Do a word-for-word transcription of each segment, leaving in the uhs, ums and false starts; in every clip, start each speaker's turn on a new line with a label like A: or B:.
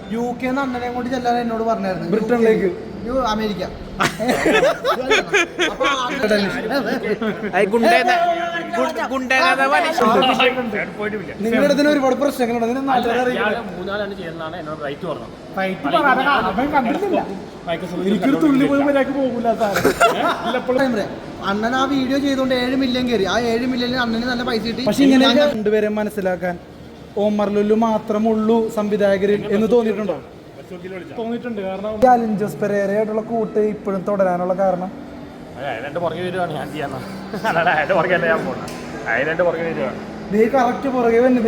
A: U K അണ്ണനെ കൊണ്ട് ചെല്ലാൻ എന്നോട് പറഞ്ഞായിരുന്നു.
B: ബ്രിട്ടനിലേക്ക്,
A: അമേരിക്ക.
B: നിങ്ങളുടെ ഇതിന് ഒരുപാട് പ്രശ്നങ്ങളുണ്ട്.
C: മൂന്നാലാണ് ചെയ്യുന്നതാണ് എന്നോട് റൈറ്റ് പറഞ്ഞത്.
B: എനിക്കൊരു തുള്ളി പോയി മര്യാദക്ക് പോകില്ല.
A: അണ്ണൻ ആ വീഡിയോ ചെയ്തുകൊണ്ട് ഏഴ് മില്യൺ കയറി. ആ ഏഴ് മില്യണിൽ അണ്ണന് നല്ല പൈസ കിട്ടി.
B: പക്ഷെ ഇങ്ങനെ രണ്ടുപേരെ മനസ്സിലാക്കാൻ ഓമർ ലുലു മാത്രമുള്ളൂ സംവിധായകരിൽ എന്ന് തോന്നിയിട്ടുണ്ടോ? തോന്നിയിട്ടുണ്ട്. കാരണം അലിൻ ജോസ് പെരേരയായിട്ടുള്ള കൂട്ട് ഇപ്പോഴും തുടരാനുള്ള കാരണം
C: അതിനെന്റെ പുറകെ വരുവാണ് ഞാൻ ചെയ്യാന്ന്. അല്ലാതെ അതിന്റെ പുറകെ ഞാൻ പോകണം. അതിനെന്റെ പുറകെ വരുവാണ്.
B: നീ കറക്റ്റ് പുറകെ വന്നു.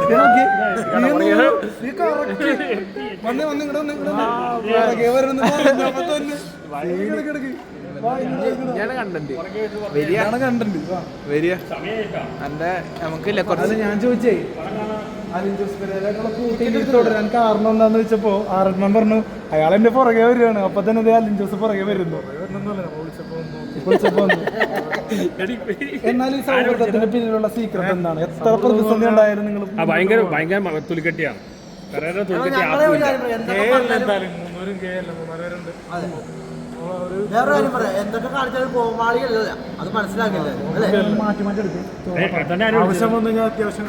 B: ഞാൻ ചോദിച്ചേ അലിൻ ജോസ് പെരേരയായിട്ടുള്ള കൂട്ടിൽ തുടരാൻ കാരണം എന്താന്ന് വെച്ചപ്പോ ആറന്മാൻ പറഞ്ഞു അയാൾ എന്റെ പുറകെ വരികയാണ്. അപ്പൊ തന്നെ അലിൻ ജോസ് പുറകെ വരുന്നു. എന്നാൽ ഈ സൗഹൃദത്തിന്റെ പിന്നിലുള്ള സീക്രട്ട് എന്താണ്? എത്ര പ്രതിസന്ധി ഉണ്ടായാലും നിങ്ങൾ
C: ഭയങ്കര ഭയങ്കര തുലിക്കെട്ടിയാണ്.
A: വേറെ കാര്യം പറയാം, എന്തൊക്കെ കാണിച്ചാലും കോമാളിയല്ല, അത് മനസ്സിലാക്കില്ല.
B: മാറ്റി മാറ്റി എടുക്കും.
C: ആവശ്യം
B: വന്നു കഴിഞ്ഞാൽ അത്യാവശ്യം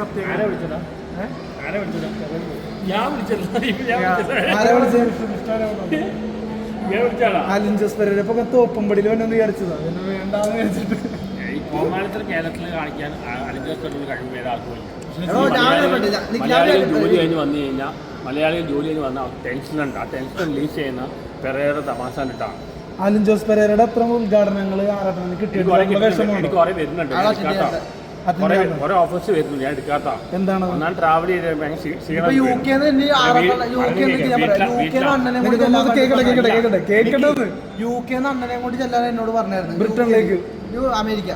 B: അലിൻ ജോസ് പെരേര ഇപ്പൊ തോപ്പുംപടിയിൽ വന്നു വിചാരിച്ചതാ. വേണ്ടാന്ന് വിചാരിച്ചിട്ട്
C: ഈ കോമാളിത്തര കേരളത്തിൽ കാണിക്കാൻ അലിൻ ജോസ് പെരേരയുടെ കഴിവ് വേറെ ആർക്കും മലയാളികൾ ജോലി കഴിഞ്ഞ് വന്നു കഴിഞ്ഞാൽ മലയാളികൾ ജോലി കഴിഞ്ഞ് വന്നാൽ ടെൻഷനുണ്ട്. ആ ടെൻഷൻ റിലീസ് ചെയ്യുന്ന പെരേര തമാശ കണ്ടിട്ടാണ്.
B: അലിൻ ജോസ് പെരേരയുടെ അത്ര ഉദ്ഘാടനങ്ങൾ ആരാട്ടത്തിന് കിട്ടിയിട്ട്
C: എനിക്ക് കുറെ വരുന്നുണ്ട്. കുറെ ഓഫേഴ്സ് വരുന്നുണ്ട്. ഞാൻ എടുക്കാത്ത
B: എന്താണ്
C: ഒന്നാം ട്രാവൽ ചെയ്ത്
A: യു കെ യു കെ അണ്ണനെ കൊണ്ട് ചെല്ലാൻ എന്നോട് പറഞ്ഞായിരുന്നു.
B: ബ്രിട്ടനിലേക്ക്,
A: അമേരിക്ക.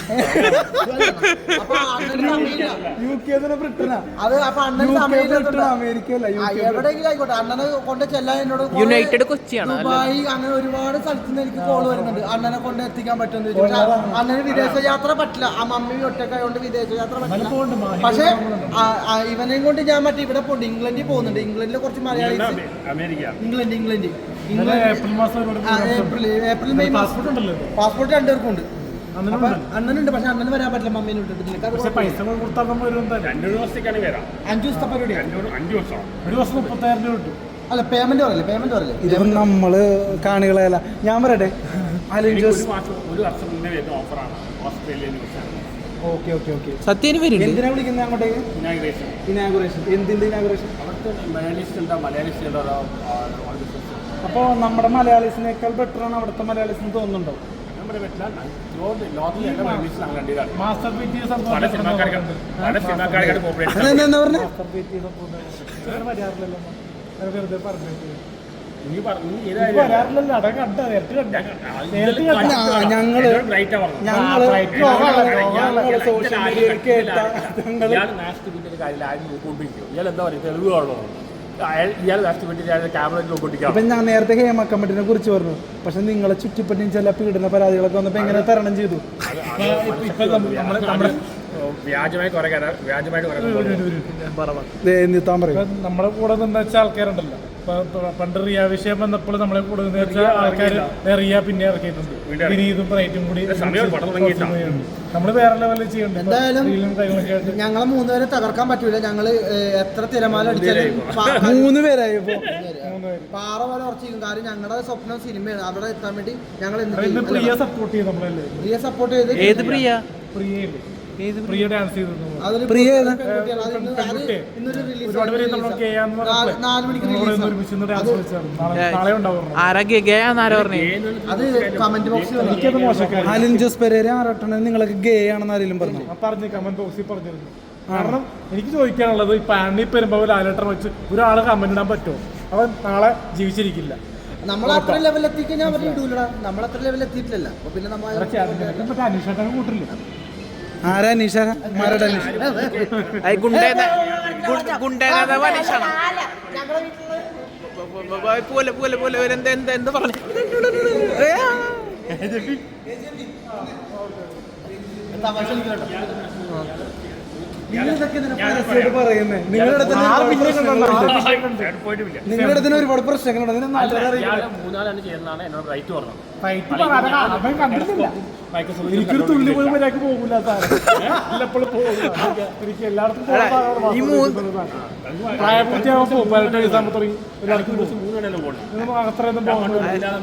B: യു കെ ബ്രിട്ടനാ.
A: അത് അപ്പൊ അണ്ണൻ
B: അമേരിക്ക അല്ല,
A: എവിടെയെങ്കിലും ആയിക്കോട്ടെ അണ്ണനെ കൊണ്ട് ചെല്ലാൻ എന്നോട്
D: യുണൈറ്റഡ് കൊച്ചിയാണ്.
A: ദുബായ് അങ്ങനെ ഒരുപാട് സ്ഥലത്ത് നിന്ന് എനിക്ക് കോള് വരുന്നുണ്ട്. അണ്ണനെ കൊണ്ട് എത്തിക്കാൻ പറ്റുമെന്ന് ചോദിച്ചാൽ അണ്ണന് വിദേശ യാത്ര പറ്റില്ല. ആ മമ്മി ഒറ്റക്കായോണ്ട് വിദേശ യാത്ര പറ്റില്ല. പക്ഷെ ഇവനെയും കൊണ്ട് ഞാൻ മറ്റേ ഇവിടെ പോകുന്നുണ്ട്. ഇംഗ്ലണ്ടിൽ പോകുന്നുണ്ട്. ഇംഗ്ലണ്ടിലെ കുറച്ച് Malayalis. England England April April May passport രണ്ടുപേർക്കും ഉണ്ട്. അണ്ണനുണ്ട്. പക്ഷെ അണ്ണന് വരാൻ പറ്റില്ല. മമ്മീനെ വിട്ടിട്ടില്ല. അഞ്ചു ദിവസത്തെ പരിപാടി. അല്ല പേയ്മെന്റ് പറയല്ലേ പേയ്മെന്റ് പറയല്ലേ
B: ഇത് നമ്മള് കാണികളല്ല. ഞാൻ പറയട്ടെ, Alin Jose okay okay okay
D: സത്യം
B: എന്തിനാ വിളിക്കുന്നത് അങ്ങോട്ടേക്ക്? ഇനാഗുറേഷൻ. എന്തിന്റെ ഇനാഗുറേഷൻ? അപ്പോൾ നമ്മുടെ മലയാളീസിനേക്കാൾ ബെറ്റർ ആണ് അവിടുത്തെ മലയാളീസിന് തോന്നുന്നുണ്ടോ? മാസ്റ്റർ പീറ്റി വരാറില്ലല്ലോ. വെറുതെ പറഞ്ഞു ഞങ്ങള് ഞങ്ങള് സോഷ്യൽ മീഡിയയിൽ കേട്ട ഇപ്പൊ ഞാൻ നേരത്തെ ഹേമ കമ്മിറ്റിനെ കുറിച്ച് പറഞ്ഞു. പക്ഷെ നിങ്ങളെ ചുറ്റിപ്പറ്റിയും ചില പീഡന പരാതികളൊക്കെ വന്നപ്പോ എങ്ങനെ തരണം ചെയ്തു?
E: നമ്മളെ കൂടെ നിന്ന് വെച്ച ആൾക്കാരുണ്ടല്ലോ. പണ്ട് റിയ വിഷയം വന്നപ്പോൾ നമ്മളെ കൂടെ നിന്ന് വെച്ച ആൾക്കാർ റിയ പിന്നെ ഇറക്കിയിട്ടുണ്ട്. വിനീതും ബ്രൈറ്റും കൂടി നമ്മള് വേറെ ലെവലിൽ ചെയ്യുന്നുണ്ട്.
A: എന്തായാലും ഞങ്ങളെ മൂന്നുപേരെ തകർക്കാൻ പറ്റൂല. ഞങ്ങള് എത്ര തിരമാല അടിച്ചാലും
B: മൂന്ന് പേരായപ്പോ
A: പാറ പോലെ ഉറച്ചിരിക്കും. കാര്യം ഞങ്ങളുടെ സ്വപ്നം സിനിമയാണ്. അവിടെ എത്താൻ വേണ്ടി ഞങ്ങൾ
E: പ്രിയ സപ്പോർട്ട് ചെയ്ത് നമ്മളല്ലേ
A: പ്രിയ സപ്പോർട്ട് ചെയ്ത്
D: ഏത് പ്രിയ
E: പ്രിയ പ്രിയ ഡാൻസ് ചെയ്തു.
B: പ്രിയ അലിൻ ജോസ് പെരേര ആരാട്ടണ നിങ്ങളൊക്കെ ഗേ ആണെന്ന് ആരെങ്കിലും പറഞ്ഞു?
E: പറഞ്ഞു കമന്റ് ബോക്സിൽ പറഞ്ഞിരുന്നു. കാരണം എനിക്ക് ചോദിക്കാനുള്ളത് ഈ പാനി പെരുമ്പോ ലാലേട്ടൻ വെച്ച് ഒരാളെ കമന്റ് ഇടാൻ പറ്റുമോ? അവൻ നാളെ ജീവിച്ചിരിക്കില്ല.
A: നമ്മൾ അത്ര ലെവലിൽ എത്തിക്കഴിഞ്ഞാൽ ഇടൂലടാ. നമ്മൾ അത്ര ലെവലിൽ എത്തിയിട്ടില്ല. അപ്പൊ പിന്നെ നമ്മൾ
E: അനീഷേട്ടൻ കൂട്ടില്ല.
B: ആരാ നിഷ? ആരുടെ നിഷ?
D: പോലെ പോലെ പോലെ എന്താ എന്താ എന്താ പറഞ്ഞു?
B: നിങ്ങളിതൊക്കെ ഇതിനെ പരസ്യമായിട്ട് പറയുന്നേ. നിങ്ങളുടെ അടുത്ത് തന്നെ ഒരുപാട് പ്രശ്നങ്ങളുണ്ട്.
C: പോയിട്ടില്ല.
B: നിങ്ങളുടെ അടുത്ത് തന്നെ ഒരുപാട് പ്രശ്നങ്ങളുണ്ട്. അതിനെ നാട്ടുകാർ അറിയില്ല.
C: മൂന്നാലാണ് ചെയ്യുന്നതാണ് എന്നോട് റൈറ്റ് പറഞ്ഞത്.
E: ഫൈറ്റ് പറയാതെ അവൻ കണ്ടിട്ടില്ല. എനിക്കൊരു തുള്ളി പോലും മര്യാദക്ക് പോകില്ല സാറ്. എപ്പോഴും പോകില്ല. എനിക്ക് എല്ലായിടത്തും
D: ഈ മൂന്ന്
E: പ്രായപൂർത്തിയാകുമ്പോൾ പോകും. പതിനെട്ട് വയസ്സാകുമ്പോൾ തുടങ്ങി എല്ലാവർക്കും പോകും.
C: മൂന്നെണ്ണം പോകണം.
E: അത്രയൊന്നും പോകുന്നത്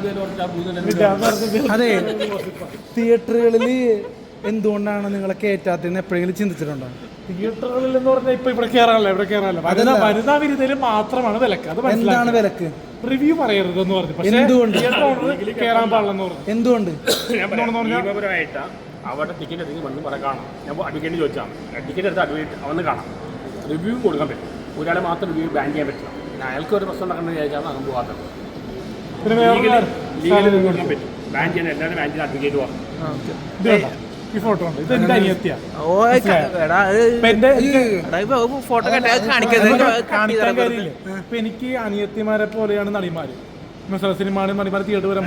B: അതെ, തിയേറ്ററുകളിൽ എന്തുകൊണ്ടാണ് നിങ്ങളെ കയറ്റാത്തതെന്ന് എപ്പോഴെങ്കിലും ചിന്തിച്ചിട്ടുണ്ടോ?
E: തിയേറ്ററുകളിൽ എന്ന് പറഞ്ഞാൽ ഇപ്പൊ ഇവിടെ കയറാനല്ല ഇവിടെ കയറാനല്ല വനിതാ വനിതാ വിരുദ്ധയിൽ മാത്രമാണ് വിലക്ക്. അത്
B: എന്താണ് വിലക്ക്?
E: റിവ്യൂ പറയരുത് എന്ന് പറഞ്ഞു. പക്ഷേ
B: എന്തുകൊണ്ട്
E: കയറാൻ പാടില്ലെന്ന് പറഞ്ഞു.
B: എന്തുകൊണ്ട്?
C: നിയമപരമായിട്ട് അവിടെ ടിക്കറ്റ് എടുത്ത് വന്ന് പറ കാണാം. ഞാൻ അഡ്വക്കേറ്റ് ചോദിച്ചാൽ ടിക്കറ്റ് എടുത്ത് അഡ്വക്കേറ്റ് അവന്ന് കാണാം. റിവ്യൂ കൊടുക്കാൻ പറ്റും. ഒരാളെ മാത്രം റിവ്യൂ ബാൻ ചെയ്യാൻ പറ്റില്ല. പിന്നെ അയാൾക്ക് ഒരു പ്രശ്നം നടക്കുന്നത് വിചാരിച്ചാൽ അങ്ങ് പോകാത്തത്.
E: പിന്നെ വേറെ
C: ലീഗലി കൊടുക്കാൻ പറ്റും. ബാൻ ചെയ്യാൻ എല്ലാവരും ബാൻ ചെയ്യാൻ അഡ്വക്കേറ്റ് പോകാം.
E: ഈ ഫോട്ടോ ഉണ്ട്. ഇത് എന്റെ അനിയത്തിയാ.
D: ഓ എടാ ഫോട്ടോ കാണിക്കാൻ
E: കാണിക്കാൻ കാര്യമില്ല. ഇപ്പൊ എനിക്ക് അനിയത്തിമാരെ പോലെയാണ് നടിമാര്. സിനിമ നടിമാര് തിയേറ്റർ വരുമ്പോ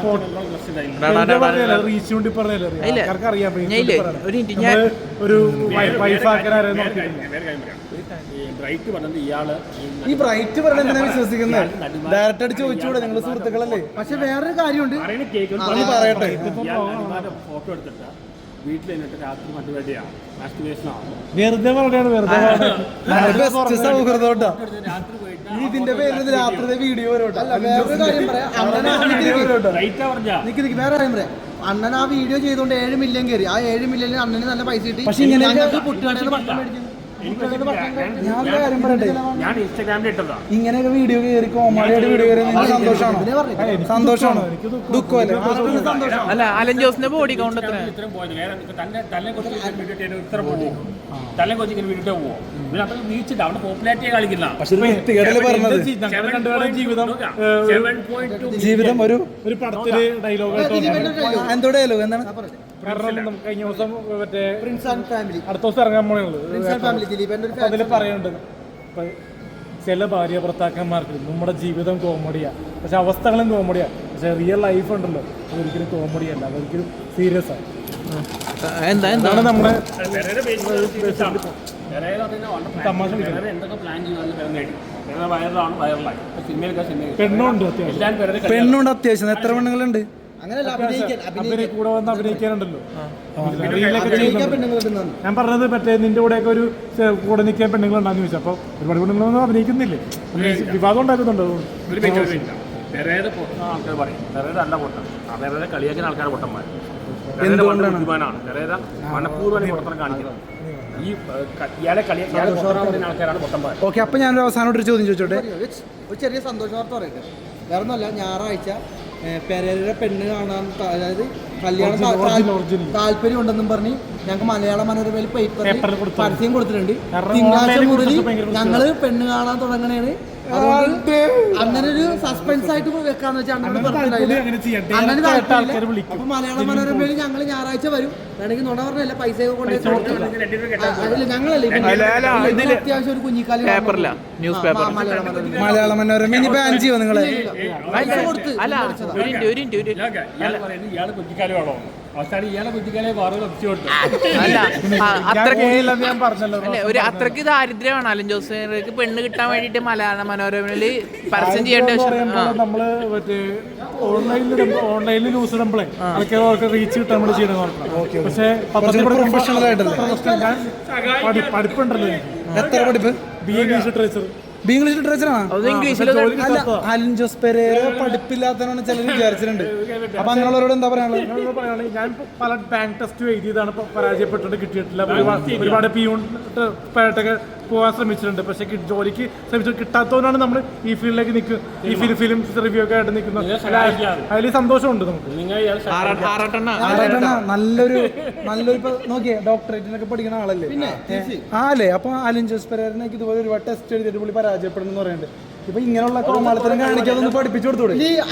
E: റീച്ച് കൊണ്ട് പറഞ്ഞല്ലേ ആൾക്കാർക്ക് അറിയാം. ഒരു വൈഫാക്കാരെ
C: ബ്രൈറ്റ് പറഞ്ഞത് ഇയാള്
B: ഈ ബ്രൈറ്റ് പറഞ്ഞ എന്തിനാ വിശ്വസിക്കുന്നത്? ഡയറക്റ്റ് ആയിട്ട് ചോദിച്ചുകൂടെ? നിങ്ങൾ സുഹൃത്തുക്കളല്ലേ?
A: പക്ഷെ വേറൊരു കാര്യമുണ്ട്.
B: പറയട്ടെ.
C: ഫോട്ടോ എടുത്തിട്ട് വീട്ടിൽ എന്നിട്ട് രാത്രി മറ്റുവേണ്ടിയാണ് മാസ്റ്റുവേഷനാണ്.
E: വെറുതെ പറയാണ്. വെറുതെ
B: സൗഹൃദോട്ടാ
C: രാത്രി പോയിട്ട്
B: ഇതിന്റെ പേരിൽ രാത്രി വീഡിയോ വരോട്ടെ.
A: അല്ല, വേറൊരു കാര്യം പറയാം. അണ്ണൻ ആ വീഡിയോ
C: റൈറ്റാ പറഞ്ഞാ
A: നിക്ക് നിക്ക് വേറെ കാര്യം പറയാം. അണ്ണൻ ആ വീഡിയോ ചെയ്തുകൊണ്ട് ഏഴ് മില്യൺ കയറി. ആ ഏഴ് മില്യണിൽ അണ്ണന് നല്ല പൈസ കിട്ടി.
B: പക്ഷെ ഇങ്ങനെ
A: ഞങ്ങൾക്ക് പുട്ടുകടയിൽ ഭക്ഷണം മേടിക്കുന്നു.
B: ഞാൻ ഒരു കാര്യം പറയട്ടെ.
C: ഞാൻ ഇൻസ്റ്റാഗ്രാമിൽ ഇട്ടതാ.
B: ഇങ്ങനെയൊക്കെ വീഡിയോ കയറി കോമാളിയായിട്ട് വീഡിയോ കയറി നിങ്ങൾക്ക് സന്തോഷമാണോ? സന്തോഷമാണോ? ദുഃഖമല്ലേ? സന്തോഷം.
D: അല്ല അലൻ ജോസിന്റെ ബോഡി കൗണ്ട് എത്ര?
C: ഇത്രയും പോയത് തന്നെ തല്ലെ കൊച്ചു വീഡിയോ ഇത്ര പോകും. തല്ലെ കൊച്ചു ഇങ്ങനെ വീഡിയോ പോകുമോ? പിന്നെ അത്ര വീഴ്ചില്ല. അവിടെ പോപ്പുലാരിറ്റി കളിക്കില്ല.
B: പക്ഷെ വൃത്തികേടല്ലേ പറഞ്ഞത്?
E: ഞങ്ങൾ രണ്ടുപേരുടെ ജീവിതം
B: ജീവിതം ഒരു
E: ഒരു പടത്തില് ഡയലോഗ്
B: എന്തോ ഡയലോഗ് എന്താണ്?
E: കാരണം കഴിഞ്ഞ ദിവസം മറ്റേ
A: പ്രിൻസ് ആൻഡ് ഫാമിലി
E: അടുത്ത ദിവസം ഇറങ്ങാൻ പോണുള്ളത്.
A: പ്രിൻസ് ആൻഡ് ഫാമിലി ദിലീപന്റെ ഒരു
E: അതിൽ പറയുന്നുണ്ട് ഇപ്പൊ ചില ഭാര്യ ഭർത്താക്കന്മാർക്ക് നമ്മുടെ ജീവിതം കോമഡിയാ, പക്ഷെ അവസ്ഥകളും കോമഡിയാ. പക്ഷെ റിയൽ ലൈഫ് ഉണ്ടല്ലോ അതൊരിക്കലും കോമഡി അല്ല, അതൊരിക്കലും സീരിയസ് ആണ്.
D: എന്താ
E: എന്താണ് നമ്മുടെ
C: തമാശ എന്തൊക്കെ പ്ലാൻ ചെയ്യുന്നത് വൈറലാണ് വൈറലായി സിനിമയിലൊക്കെ സിനിമ
E: പെണ്ണുണ്ട് അത്യാവശ്യം.
C: എല്ലാവരും
B: പെണ്ണുണ്ട് അത്യാവശ്യം. എത്ര പെണ്ണുങ്ങളുണ്ട്?
A: അങ്ങനെയല്ല, അഭിനയിക്കാൻ
E: അഭിനയ കൂടെ വന്ന് അഭിനയിക്കാനുണ്ടല്ലോ.
A: പെണ്ണുങ്ങളുണ്ടെന്നാണ്
E: ഞാൻ പറഞ്ഞത് മറ്റേ നിന്റെ കൂടെയൊക്കെ ഒരു കൂടെ നിൽക്കാൻ പെണ്ണുങ്ങളുണ്ടാന്ന് ചോദിച്ചു. അപ്പോൾ ഒരുപാട് പെണ്ണുങ്ങളൊന്നും അഭിനയിക്കുന്നില്ലേ? വിവാദം ഉണ്ടാക്കുന്നുണ്ടോ?
C: ഒരു വ്യക്തിയില്ല. പെരേരെ പൊട്ടുന്ന ആൾക്കാർ പറയും പെരേര അല്ല പൊട്ടൻ. ആ പെരേരെ കളിയാക്കുന്ന ആൾക്കാർ പൊട്ടന്മാർ. ബുദ്ധിമാനാണ് പെരേര. മനഃപൂർവ്വം പൊട്ടത്തരം കാണിക്കുന്നത്. ഈ ഇയാളെ കളി ഇയാളെ പൊട്ടനാവുന്ന ആൾക്കാരാണ് പൊട്ടന്മാർ.
B: ഓക്കെ, അപ്പൊ ഞാനൊരു അവസാനമായിട്ട് ഒരു ചോദ്യം ചോദിച്ചോട്ടെ.
A: ഒരു ചെറിയ സന്തോഷ വാർത്ത പറയട്ടെ. വേറെ ഒന്നുമല്ല, ഞായറാഴ്ച പെരേരയുടെ പെണ്ണ് കാണാൻ അതായത് കല്യാണം താല്പര്യം ഉണ്ടെന്നും പറഞ്ഞ് ഞങ്ങൾക്ക് മലയാള മനോരമയിൽ പേപ്പറിൽ പരസ്യം കൊടുത്തിട്ടുണ്ട്. തിങ്കളാഴ്ച മുതൽ ഞങ്ങള് പെണ്ണ് കാണാൻ തുടങ്ങണേണ്. അതുകൊണ്ട് അങ്ങനെ ഒരു സസ്പെൻസ് ആയിട്ട് വെക്കാന്ന് വെച്ചാൽ അണ്ണന് പറഞ്ഞിട്ടുണ്ടായില്ല. അണ്ണന് താല്പര്യമില്ല. അപ്പൊ മലയാള മനോരമയിൽ ഞങ്ങൾ ഞായറാഴ്ച വരും. വേണമെങ്കിൽ നുണ പറഞ്ഞല്ല, പൈസ കൊണ്ട് അതില്ല ഞങ്ങളല്ലേ അത്യാവശ്യം ഒരു കുഞ്ഞിക്കാലി
D: ന്യൂസ് പേപ്പർ
B: മലയാള മനോരമ ഇനി ബാൻ ചെയ്യോ നിങ്ങളെ?
A: കൊടുത്ത്
D: അല്ല ഒരു മിനിറ്റ് ഒരു മിനിറ്റ് ഒരു
C: ഇയാൾ പറയുന്നത് ഇയാള് കുഞ്ഞിക്കാലമാണോ? അവസാനം ഇയാളെ കുഞ്ഞിക്കാലെ വാറുകൾ ഒപ്പിച്ചു കൊടുത്തു.
D: അല്ല അത്രക്ക്
E: ഞാൻ പറഞ്ഞല്ലോ
D: അല്ലെ ഒരു അത്രക്ക് ദാരിദ്ര്യമാണ് അലൻ ജോസിന് പെണ്ണ് കിട്ടാൻ വേണ്ടിട്ട് മലയാള മനോരമയില് പരസ്യം ചെയ്യേണ്ട
E: നമ്മള് മറ്റേ ഓൺലൈനിൽ ഓൺലൈനിൽ ന്യൂസ് ഇടുമ്പോഴേ അതൊക്കെ അവർക്ക് റീച്ച് കിട്ടാൻ നമ്മൾ ചെയ്യണം. പക്ഷേ
B: പ്രൊഫഷണൽ ആയിട്ടല്ലേ?
E: പഠിപ്പുണ്ടല്ലോ എനിക്ക്.
B: എത്ര പഠിപ്പ്?
E: B A English literature.
B: B English ലിറ്ററേച്ചറാണ്. അല്ല, അലൻ ജോസ് പെരേര പഠിപ്പില്ലാത്തവരാണ് ചിലർ വിചാരിച്ചിട്ടുണ്ട്. അപ്പൊ അങ്ങനെയുള്ളവരോട് എന്താ പറയാനുള്ളത്?
E: ഞാൻ പല ബാങ്ക് ടെസ്റ്റ് എഴുതിയതാണ്, പരാജയപ്പെട്ടിട്ട് കിട്ടിയിട്ടില്ല. ഒരുപാട് പിയൂൺ പേട്ടൊക്കെ പോകാൻ ശ്രമിച്ചിട്ടുണ്ട്, പക്ഷെ ജോലിക്ക് ശ്രമിച്ചിട്ട് കിട്ടാത്തവരാണ് നമ്മൾ ഈ ഫീൽഡിലേക്ക് നിൽക്കും. ഈ ഫിലിം ഫിലിം റിവ്യൂ ഒക്കെ ആയിട്ട് നിൽക്കുന്നത്. അതിൽ സന്തോഷമുണ്ട് നമുക്ക്.
B: നല്ലൊരു നല്ലൊരു ഇപ്പൊ നോക്കിയേ ഡോക്ടറേറ്റിനൊക്കെ പഠിക്കുന്ന ആളല്ലേ? ആ അല്ലേ? അപ്പൊ അലൻ ജോസ് പെരേരനൊക്കെ ഇതുപോലെ ഒരുപാട് ടെസ്റ്റ് എഴുതിയിട്ട് പുള്ളി പരാജയപ്പെടുന്നു പറയുന്നുണ്ട്. ഇപ്പൊ ഇങ്ങനെയുള്ള കോമാളിത്തരം കാണിക്കാതൊന്ന് പഠിപ്പിച്ചു കൊടുത്തൂടെ?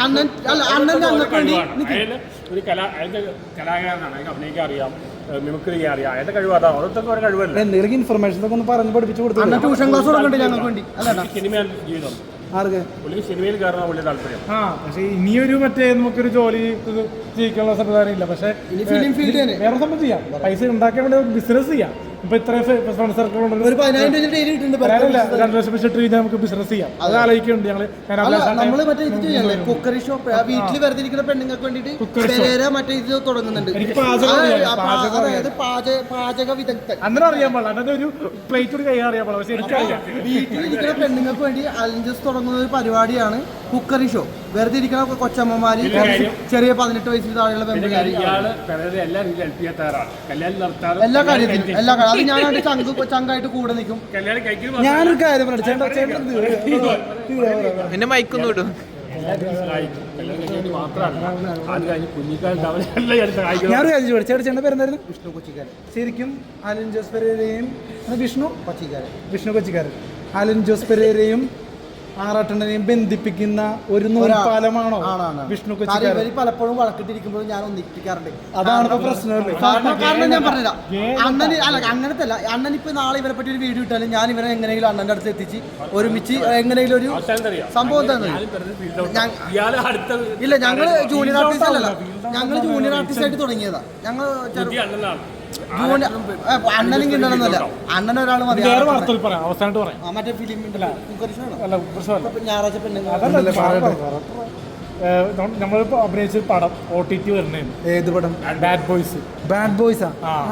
C: ഒരു കലാ കലാകാരനാണ്, അഭിനയിക്കാൻ അറിയാം, മിമിക്രി ചെയ്യാൻ അറിയാം. അയാളുടെ കഴിവ് അതാണ്. ഓരോരുത്തർക്കും ഒരു കഴിവല്ല.
B: എന്തെങ്കിലും ഇൻഫർമേഷൻ ഒക്കെ ഒന്ന് പറഞ്ഞ് പഠിപ്പിച്ചു കൊടുത്തു.
A: ട്യൂഷൻ ക്ലാസ് കൊടുക്കണ്ടേ ഞങ്ങൾക്ക് വേണ്ടി?
C: സിനിമയാണ് ജീവിതം.
B: ആർക്ക്
C: പുള്ളിക്ക് സിനിമയിൽ കയറാൻ വലിയ താല്പര്യം.
E: ആ പക്ഷെ ഇനിയൊരു മറ്റേ നമുക്കൊരു ജോലി ജീവിക്കാനുള്ള സംവിധാനം ഇല്ല. പക്ഷെ
A: ഫിലിം ഫീൽഡ്
E: വേറെ സംഭവം ചെയ്യാം, പൈസ ഉണ്ടാക്കാൻ വേണ്ടി ബിസിനസ് ചെയ്യാം. ഇപ്പൊ ഇത്രയും ഫ്രണ്ട് സർക്കിൾ ഉണ്ടെങ്കിൽ
A: ഒരു പതിനായിരം രൂപ ഡെയിലി കിട്ടുന്നുണ്ട്
E: വേറെയല്ല, രണ്ട് ലക്ഷം വെച്ചിട്ട് കഴിഞ്ഞാൽ നമുക്ക് ബിസിനസ് ചെയ്യാം. അത് ആലോചിക്കുന്നുണ്ട് ഞങ്ങള്. ഞാൻ
A: അല്ല നമ്മള് മറ്റേ ഇത് ചെയ്യല്ലേ കുക്കറി ഷോപ്പ് വീട്ടിൽ വെറുതെ ഇരിക്കുന്ന പെണ്ണുങ്ങൾക്ക് വേണ്ടിട്ട് പെരേര മറ്റേ ഇത് തുടങ്ങുന്നുണ്ട്.
E: എനിക്ക് പാചകം അറിയാം,
A: ആ, പാ-
E: പാചകം
A: അതായത് പാചക പാചക വിദഗ്ധൻ.
E: അന്നേരം അറിയാൻ പാടില്ല, അന്നത്തെ ഒരു പ്ലേറ്റ് കൂടി കൈ അറിയാൻ പാടില്ല. പക്ഷെ എനിക്കറിയാം.
A: വീട്ടിലിരിക്കുന്ന പെണ്ണുങ്ങൾക്ക് വേണ്ടി അലഞ്ചസ് തുടങ്ങുന്ന ഒരു പരിപാടിയാണ് കുക്കറി ഷോ. വെറുതെ ഇരിക്കുന്ന കൊച്ചമ്മമാര് ചെറിയ പതിനെട്ട് വയസ്സിൽ താഴെയുള്ള പെൺപിള്ളേര്
C: ഇയാള് പെരേര എല്ലാ രീതിയിലും ഹെൽപ്പ് ചെയ്യാൻ തയ്യാറാണ്. കല്യാണം നടത്താതെ
A: എല്ലാ കാര്യത്തിലും എല്ലാ കാര്യം അത് ഞാൻ അവന്റെ ചങ്ക് ചങ്കായിട്ട് കൂടെ നിൽക്കും.
C: കല്യാണം കഴിക്കുന്ന
B: ഞാനൊരു കാര്യം പറഞ്ഞു ചേട്ടാ ചേട്ടൻ ഇത്
D: പിന്നെ മൈക്കൊന്നും ഇടും.
C: സഹായിക്കും. കല്യാണം കഴിക്കാൻ മാത്രമല്ല, അത് കഴിഞ്ഞ് കുഞ്ഞിക്കാലത്ത് അവരെല്ലാം എടുത്ത് സഹായിക്കും.
B: ഞാനൊരു കാര്യം ചോദിച്ചു ചേട്ടാ ചേട്ടൻ്റെ പേരെന്തായിരുന്നു?
A: വിഷ്ണു കൊച്ചിക്കാരൻ.
B: ശരിക്കും ആലൻ ജോസ് പെരേരയും വിഷ്ണു
A: കൊച്ചിക്കാരൻ
B: വിഷ്ണു കൊച്ചിക്കാരൻ ആലൻ ജോസ് പെരേരയും ആറാട്ടനെയും ബന്ധിപ്പിക്കുന്ന ഒരു നൂൽപ്പാലമാണോ വിഷ്ണു കൊച്ചിക്കാരൻ?
A: ഇവര് പലപ്പോഴും വഴക്കിട്ടിരിക്കുമ്പോഴും ഞാൻ ഒന്നിപ്പിക്കാറുണ്ട്.
B: അതാണ് ഇപ്പൊ പ്രശ്നമല്ലേ?
A: കാരണം കാരണം ഞാൻ പറഞ്ഞില്ല അണ്ണന് അല്ല അങ്ങനത്തെ അല്ല. അണ്ണൻ ഇപ്പൊ നാളെ ഇവരെ പറ്റി ഒരു വീഡിയോ ഇട്ടാലും ഞാൻ ഇവരെ എങ്ങനെയെങ്കിലും അണ്ണന്റെ അടുത്ത് എത്തിച്ച് ഒരുമിച്ച് എങ്ങനെയെങ്കിലും ഒരു സംഭവം തന്നെ.
C: ഇയാള് അടുത്ത
A: ഇല്ല ഞങ്ങള് ജൂനിയർ ആർട്ടിസ്റ്റ് അല്ലല്ലോ, ഞങ്ങള് ജൂനിയർ ആർട്ടിസ്റ്റ് ആയിട്ട് തുടങ്ങിയതാ. ഞങ്ങൾ
C: അണ്ണനാണ്.
A: അണ്ണനും കിട്ടണമെന്നല്ല, അണ്ണൻ ഒരാൾ മതി.
E: വേറെ വാർത്തകൾ പറയാം, അവസാനമായിട്ട് പറയാം.
A: ആ, മറ്റേ ഫിലിം
E: അല്ല പ്രശ്നമല്ല,
A: ഞായറാഴ്ച പെണ്ണുങ്ങൾ
E: അതല്ല നമ്മളിപ്പോ അഭിനയിച്ച പടം ഒ ടി ടി വരുന്നതാണ്.
B: ഏത് പടം?
E: Bad boys.
B: ബാഡ് ബോയ്സാ?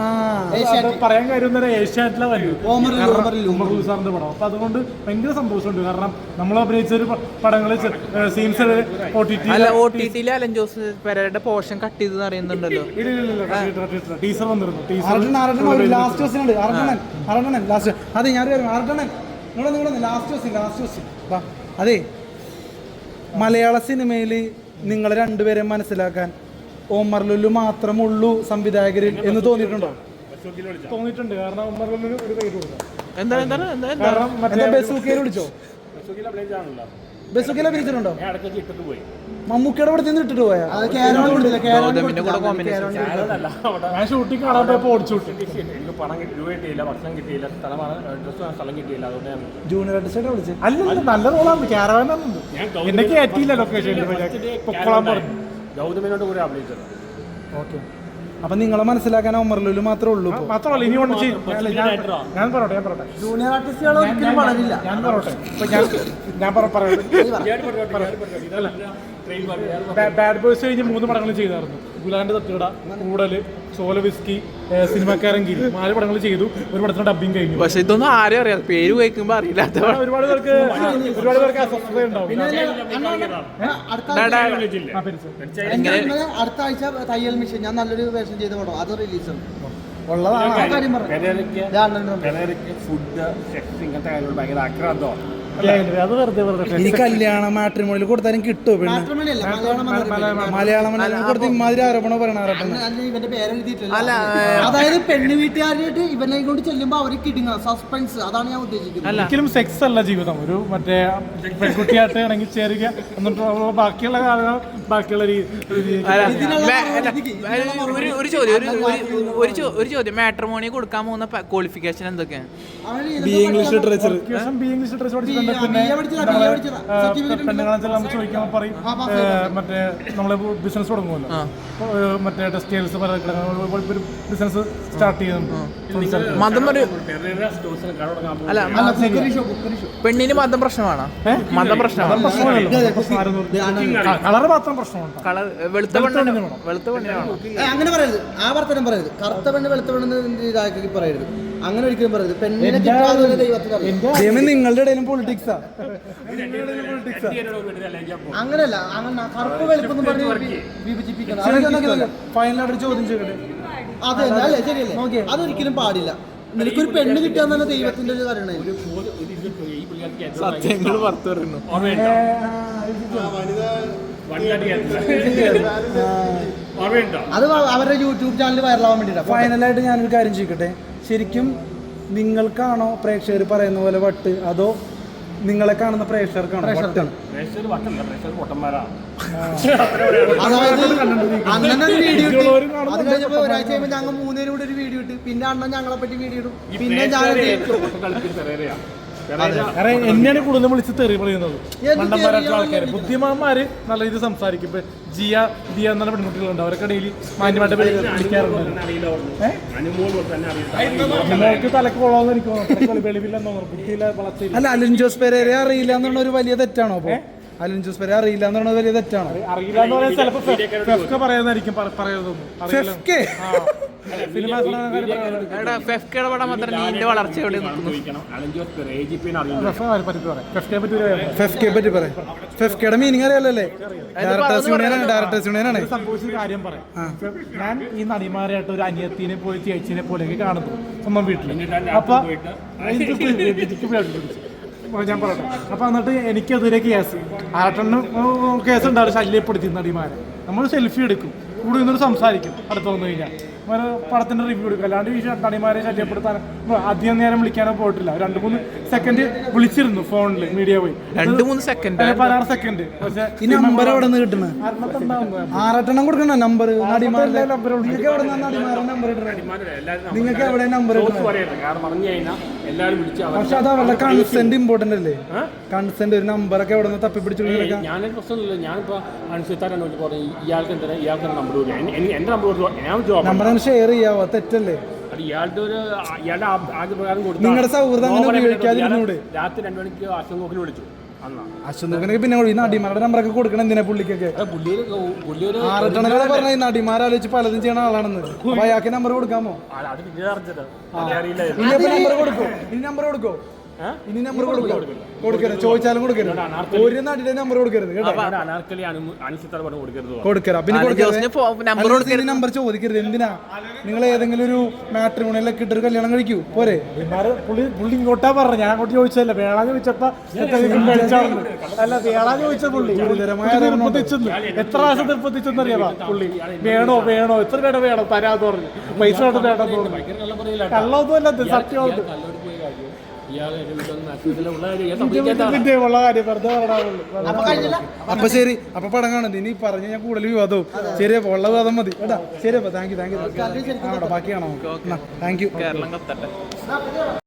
E: പറയാൻ കാര്യം തന്നെ ഏഷ്യാനെറ്റിലെ
A: ഓമർ
E: സാറിന്റെ പടം. അപ്പൊ അതുകൊണ്ട് ഭയങ്കര സന്തോഷമുണ്ട്. കാരണം നമ്മൾ അഭിനയിച്ച ഒരു പടങ്ങള് സീൻസ് ഒ ടി ടി
D: അല്ല ഒ ടി ടിയിലെ അലൻ ജോസ് പെരേരയുടെ പോർഷൻ കട്ട് ചെയ്ത് അറിയുന്നുണ്ടല്ലോ.
E: ടീസർ വന്നിരുന്നു.
B: ലാസ്റ്റ് ക്വസ്റ്റ്യൻ ഉണ്ട്. അറട്ടണൻ അറട്ടണൻ ലാസ്റ്റ്. അതെ ഞാൻ അറട്ടണൻ നിങ്ങളെ നിങ്ങളെ ലാസ്റ്റ് ക്വസ്റ്റ്യൻ ലാസ്റ്റ് ക്വസ്റ്റ്യൻ അതെ മലയാള സിനിമയിൽ നിങ്ങൾ രണ്ടുപേരെ മനസ്സിലാക്കാൻ ഓമർ ലുലു മാത്രമുള്ളൂ സംവിധായകരിൽ എന്ന് തോന്നിയിട്ടുണ്ടോ?
E: തോന്നിയിട്ടുണ്ട്. കാരണം ഉമ്മറിലൊരു ഒരു പേര് കൊടുക്കാം.
D: എന്താണ് എന്താണ് എന്താ
E: കാരണം മറ്റേ
B: ബസൂക്കയിൽ വിളിച്ചോ? ബസൂക്കയിൽ അഭിനയിച്ചിട്ടുണ്ടോ? മമ്മൂക്കയുടെ ഇവിടെ നിന്ന് ഇട്ടിട്ട് പോയാ?
D: ഗൗതമിന്റെ കൂടെ കോമ്പിനേഷൻ.
E: ഞാൻ ഷൂട്ടിംഗ് കാണാൻ പോയപ്പോ ഓടിച്ചു
C: പണം കിട്ടി, രൂപ കിട്ടിയില്ല, ഭക്ഷണം കിട്ടിയില്ല, സ്ഥലമാണ് ഡ്രസ് സ്ഥലം കിട്ടിയില്ല. അതുകൊണ്ടാണ്
B: ജൂനിയർ ആർട്ടിസ്റ്റ് വിളിച്ചത്.
E: അല്ല നല്ല റോളാണ്. ക്യാരവാനുണ്ട്. എന്നെ കയറ്റിയില്ല ലൊക്കേഷനിൽ. പൊക്കോളാൻ പറഞ്ഞു.
C: ഗൗതമിനോട് കൂടെ അഭിനയിച്ചത്.
B: ഓക്കെ, അപ്പൊ നിങ്ങളെ മനസ്സിലാക്കാൻ ഒമർ ലുലു മാത്രമേ ഉള്ളൂ.
E: മാത്രമല്ല ഇനി കൊണ്ട് ചെയ്യും. ഞാൻ പറയട്ടെ ഞാൻ പറയട്ടെ
A: ജൂനിയർ ആർട്ടിസ്റ്റുകൾ ഒരിക്കലും വളരില്ല.
E: ഞാൻ പറയട്ടെ ഇപ്പൊ ഞാൻ ഞാൻ ബാഡ് ബോയ്സ് കഴിഞ്ഞ് മൂന്ന് പടങ്ങൾ ചെയ്തായിരുന്നു. ഗുലാന്റെ തട്ടുകട, കൂടല്, സോല വിസ്കി, സിനിമാക്കാരൻ ഗിരി, നാല് പടങ്ങൾ ചെയ്തു. ഒരു പടത്തിന് ഡബിങ് കഴിഞ്ഞു.
D: പക്ഷെ ഇതൊന്നും ആരും അറിയാം, പേര് കേൾക്കുമ്പോ അറിയില്ലാത്ത
E: ഒരുപാട് പേർക്ക് ഒരുപാട് പേർക്ക് അസ്വസ്ഥത ഉണ്ടാവും.
A: അടുത്ത ആഴ്ച തയ്യൽ മിഷൻ ഞാൻ നല്ലൊരു വേഷം ചെയ്ത പടം അത് റിലീസാണ്.
C: ഫുഡ്, സെക്സ്, ഇങ്ങനത്തെ കാര്യങ്ങൾ ഭയങ്കര ആക്രാന്തമാണ്.
E: അത് വെറുതെ വെറുതെ
B: ഇനി കല്യാണ മാട്രിമോണിയിൽ കൊടുത്താലും കിട്ടുമോ പെണ്ണ്? മലയാളം കൊടുത്ത് ഇമാതിരി ആരോപണം പറയണ
A: ഇവന്റെ പേരെഴുതിയിട്ടില്ല. അതായത് പെണ്ണ് വീട്ടുകാരായിട്ട് ഇവനെ കൊണ്ട് ചെല്ലുമ്പോ അവര് കിടുങ്ങ സസ്പെൻസ്. അതാണ് ഞാൻ ഉദ്ദേശിക്കുന്നത്.
E: ഒരിക്കലും സെക്സ് അല്ല ജീവിതം. ഒരു മറ്റേ പെൺകുട്ടിയായിട്ട് ഇണങ്ങി ചേരുക എന്നിട്ട് ബാക്കിയുള്ള കാലം ബാക്കിയുള്ള
D: ഒരു ചോദ്യം ഒരു ഒരു ചോദ്യം മാട്രിമോണി കൊടുക്കാൻ പോകുന്ന ക്വാളിഫിക്കേഷൻ എന്തൊക്കെയാണ്?
B: B English literature
E: B English literature പഠിച്ചിട്ടുണ്ട്. പിന്നെ പെണ്ണുങ്ങളെ നമ്മൾ ചോദിക്കുമ്പോൾ പറയും മറ്റേ നമ്മള് ബിസിനസ് തുടങ്ങുമല്ലോ, മറ്റേ ടെക്സ്റ്റൈൽസ് ബിസിനസ് സ്റ്റാർട്ട് ചെയ്യുന്നുണ്ട്.
D: മതം ഒരു അല്ല പെണ്ണിന് മതം പ്രശ്നമാണോ? മതം പ്രശ്നമാണ്.
E: കളർ മാത്രം പ്രശ്നമുണ്ട്.
D: കളർ വെളുത്ത പെണ്ണിന് വെളുത്ത പെണ്ണിനാണോ?
A: അങ്ങനെ പറയരുത്. ആ വർത്തനം പറയരുത്. കറുത്ത പെണ്ണ് വെളുത്ത പെണ്ണ് ഇതാക്കി പറയരുത്. അങ്ങനെ ഒരിക്കലും പറയരുത്. പെണ്ണിനെ കിട്ടാതെ ദൈവത്തിന്
B: നിങ്ങളുടെ ഇടയിലും പൊളിറ്റിക്സാ?
A: അങ്ങനെയല്ല. അങ്ങനെ കറുപ്പ് വെളുപ്പെന്ന് പറഞ്ഞ് വിഭജിപ്പിക്കണം.
B: ഫൈനലായിട്ട് ചോദ്യം ചെയ്യട്ടെ.
A: അത് തന്നെ അല്ലേ? ശരിയല്ലേ? അതൊരിക്കലും പാടില്ല. നിനക്കൊരു പെണ്ണ് കിട്ടാൻ തന്നെ ദൈവത്തിന്റെ ഒരു കാര്യമാണ്.
D: സത്യങ്ങൾ പുറത്തു വരുന്നു.
A: അത് അവരുടെ യൂട്യൂബ് ചാനൽ വൈറലാവാൻ വേണ്ടിയിട്ടാണ്.
B: ഫൈനലായിട്ട് ഞാനൊരു കാര്യം ചോദിക്കട്ടെ, ശരിക്കും നിങ്ങൾക്കാണോ പ്രേക്ഷകർ പറയുന്ന പോലെ വട്ട്, അതോ നിങ്ങളെ കാണുന്ന പ്രേക്ഷകർക്കാണോ വട്ടാണ്?
A: അതായത് അണ്ണൻ ഒരു വീഡിയോ ഇട്ട് അത് കഴിഞ്ഞപ്പോ ഒരാഴ്ച കഴിയുമ്പോൾ ഞങ്ങൾ മൂന്നേരും കൂടെ ഒരു വീഡിയോ ഇട്ട് പിന്നെ അണ്ണൻ ഞങ്ങളെ പറ്റി വീഡിയോ ഇടും. പിന്നെ ഞാൻ
E: കാരണം എന്നെയാണ് കൂടുതൽ വിളിച്ച് തെറി പറയുന്നത് മണ്ടന്മാരായിട്ടുള്ള ആൾക്കാർ. ബുദ്ധിമാന്മാര് നല്ല രീതിയിൽ സംസാരിക്കും. ഇപ്പൊ ജിയ ദിയ എന്നുള്ള പെൺകുട്ടികളുണ്ട്, അവരൊക്കെ ഡെയിലി മാന്യമായിട്ട് വിളിക്കാറുണ്ട്. നിങ്ങൾക്ക് തലക്ക് കൊള്ളാമെന്ന് എനിക്ക് തോന്നുന്നു, വെളിവില്ലെന്ന് തോന്നുന്നു, ബുദ്ധിയില്ല വളർച്ചയില്ല.
B: അല്ല, അലിൻ ജോസ് പെരേരയെ അറിയില്ല എന്നുള്ള ഒരു വലിയ തെറ്റാണോ? അപ്പൊ അലിൻ ജോസ് പെരേര അറിയില്ല എന്നുള്ള വലിയ തെറ്റാണോ?
E: അറിയില്ല എന്ന് പറയാൻ ചിലപ്പോൾ ഫെഫ്ക പറയുന്നതായിരിക്കും പറയുന്നതൊന്നും
B: ഫെഫ്കെ
E: സിനിമ
D: ഫെഫ്കയുടെ പടം മാത്രം നീന്റെ വളർച്ച എവിടെ നിൽക്കുന്നു?
B: ഫെഫ്കെ പറ്റി പറയാം. ഫെഫ്കയുടെ മീനിങ് അറിയാലല്ലേ? ഡയറക്ടേഴ്സ് യൂണിയനാണ്, ഡയറക്ടേഴ്സ് യൂണിയനാണ്.
E: സംഭവിച്ച കാര്യം പറയാം. ഞാൻ ഈ നടിമാരായിട്ട് ഒരു അനിയത്തിനെ പോലെ ചേച്ചിനെ പോലെയൊക്കെ കാണുന്നു സ്വന്തം വീട്ടിൽ. അപ്പൊ ഞാൻ പറയട്ടെ. അപ്പൊ എന്നിട്ട് എനിക്കെതിരെ കേസ് ആട്ടണ്ണ കേസ് ഉണ്ടാവും, ശല്യപ്പെടുത്തി നടിമാരെ. നമ്മൾ സെൽഫി എടുക്കും, കൂടെ നിന്നൊരു സംസാരിക്കും, അടുത്ത് വന്നു കഴിഞ്ഞാൽ ഒരു പടത്തിന്റെ റിവ്യൂ എടുക്കും. അല്ലാണ്ട് ഈ നടിമാരെ ശല്യപ്പെടുത്താൻ അധികം നേരം വിളിക്കാനോ പോയിട്ടില്ല. രണ്ട് മൂന്ന് സെക്കൻഡ് വിളിച്ചിരുന്നു ഫോണിൽ, മീഡിയ പോയി
D: രണ്ട് മൂന്ന് സെക്കൻഡ്
E: പതിനാറ് സെക്കൻഡ്. പക്ഷേ
B: ഈ നമ്പർ എവിടെ നിന്ന് കിട്ടുന്നത്? ആറട്ടെണ്ണം കൊടുക്കണ നമ്പർ നടിമാരുടെ നമ്പർ. നിങ്ങൾക്ക് എവിടെ നിന്നാണ് നടിമാരുടെ നമ്പർ ഇടുന്നത്? നിങ്ങൾക്ക് എവിടെ നമ്പർ ഇടുന്നത്? പക്ഷെ അത് അവരുടെ കൺസെന്റ് ഇമ്പോർട്ടന്റ് അല്ലേ? കൺസെന്റ് ഒരു നമ്പറൊക്കെ എവിടെ നിന്ന് തപ്പിപ്പിടിച്ചു?
C: ഞാനൊരു പ്രശ്നമില്ല. ഞാനിപ്പോ അനുസരിച്ചാണ് പറഞ്ഞു ഇയാൾക്ക് എന്താ ഇയാൾക്ക് നമ്പർ എന്റെ നമ്പർ ഞാൻ ജോബ്
B: നമ്പർ ഷെയർ ചെയ്യാവോ? തെറ്റല്ലേ?
C: അത് ഇയാളുടെ ഒരു ഇയാളുടെ ആദ്യ പ്രകാരം കൊടുത്തു.
B: നിങ്ങളുടെ സൗഹൃദം അങ്ങനെ ഉപയോഗിക്കാതിരുന്നൂടെ?
C: രാത്രി രണ്ടു മണിക്ക് അശ്വൻ വിളിച്ചു.
B: അശ്വന്തൊക്കെ പിന്നെ ഈ നടിമാരുടെ നമ്പറൊക്കെ കൊടുക്കണം എന്തിനാ പുള്ളിക്കൊക്കെ? ആറട്ടെണ്ണ പറഞ്ഞ ഈ നടിമാരാലോചിച്ച് പലതും ചെയ്യണ ആളാണെന്ന്. അപ്പൊ അയാൾക്ക് നമ്പർ കൊടുക്കാമോ?
C: അത് പിന്നെ അറിഞ്ഞത്
B: ഇനി നമ്പർ കൊടുക്കോ? ഇനി നമ്പർ കൊടുക്കോ? ഇനി നമ്പർ കൊടുക്കോ? കൊടുക്കരുത്, ചോദിച്ചാലും കൊടുക്കരുത്. ഒരു നടിയുടെ നമ്പർ കൊടുക്കരുത് കേട്ടോ. കൊടുക്കരുത്. പിന്നെ കൊടുക്കരുത്, നമ്പർ ചോദിക്കരുത്. എന്തിനാ? നിങ്ങൾ ഏതെങ്കിലും ഒരു മാട്രിമോണിയിലൊക്കെ ഇട്ടൊരു കല്യാണം കഴിക്കൂ പോരെ?
E: പുള്ളി പുള്ളി ഇങ്ങോട്ടാ പറഞ്ഞു, ഞാൻ അങ്ങോട്ട് ചോദിച്ചതല്ല. വേളാന്ന് ചോദിച്ചപ്പോ അല്ല, വേളാന്ന് ചോദിച്ച പുള്ളി നിർബന്ധിച്ചെന്ന് എത്ര പ്രാവശ്യം നിർബന്ധിച്ചെന്ന് അറിയാമോ പുള്ളി? വേണോ വേണോ എത്ര വേണം വേണം തരാന്ന് പറഞ്ഞു. പൈസ വേണം വേണം തോന്നുന്നു. കള്ളൊന്നും അല്ല, സത്യമാണ്.
B: അപ്പൊ ശരി, അപ്പൊ പടം കാണുന്നത് ഇനി പറഞ്ഞ ഞാൻ കൂടുതൽ വിവാദവും. ശരി, അപ്പൊ ഉള്ള വിവാദം മതി കേട്ടാ. ശരി, അപ്പൊ താങ്ക് യു താങ്ക് യു. ബാക്കിയാണോ? Thank you.
D: കേരളം കത്തട്ടെ.